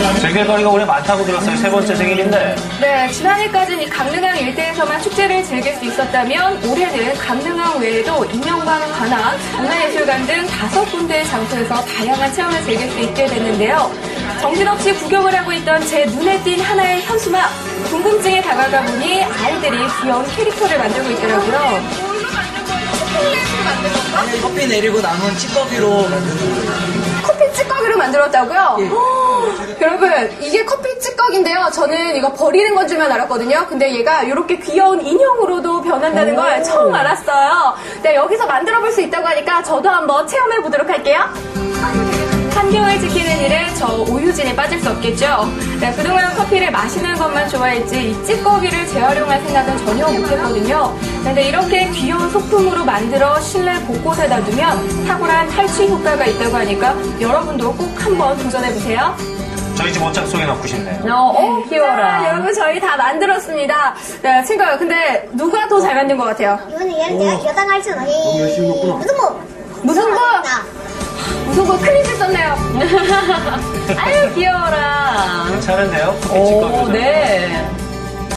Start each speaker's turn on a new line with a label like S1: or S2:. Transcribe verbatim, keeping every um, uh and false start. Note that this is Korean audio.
S1: 즐길거리가 올해 많다고 들었어요. 세 번째 생일인데.
S2: 네, 지난해까지는 이 강릉항 일대에서만 축제를 즐길 수 있었다면 올해는 강릉항 외에도 인명관 관악, 문화예술관 등 다섯 군데의 장소에서 다양한 체험을 즐길 수 있게 됐는데요. 정신없이 구경을 하고 있던 제 눈에 띈 하나의 현수막, 궁금증에 다가가 보니 아이들이 귀여운 캐릭터를 만들고 있더라고요.
S3: 커피 내리고 남은 찌꺼기로 만드는 거예요.
S2: 커피 찌꺼기로 만들었다고요?
S3: 예.
S2: 허, 여러분, 이게 커피 찌꺼기인데요. 저는 이거 버리는 건 줄만 알았거든요. 근데 얘가 이렇게 귀여운 인형으로도 변한다는 걸 처음 알았어요. 네, 여기서 만들어 볼 수 있다고 하니까 저도 한번 체험해 보도록 할게요. 환경을 지키는 일에 저 오유진이 빠질 수 없겠죠. 네, 그동안 커피를 마시는 것만 좋아했지 이 찌꺼기를 재활용할 생각은 전혀 못했거든요. 근데 이렇게 귀여운 소품으로 만들어 실내 곳곳에다 두면 탁월한 탈취 효과가 있다고 하니까 여러분도 꼭 한번 도전해보세요.
S1: 저희 집 옷장 속에 넣고 싶네요.
S2: 어, 어 귀여워라. 자, 여러분 저희 다 만들었습니다. 네, 친구요. 근데 누가 더 잘 만든 것 같아요?
S4: 이거는 얘는 내가 겨당할 줄 아니. 너무 열심히 넣구나. 무슨 뭐?
S2: 무슨 거?
S4: 나.
S2: 무슨 거 큰일을 썼네요.
S5: 아유, 귀여워라.
S1: 괜찮은데요? 커피
S5: 오,
S1: 찌꺼기로.
S5: 네.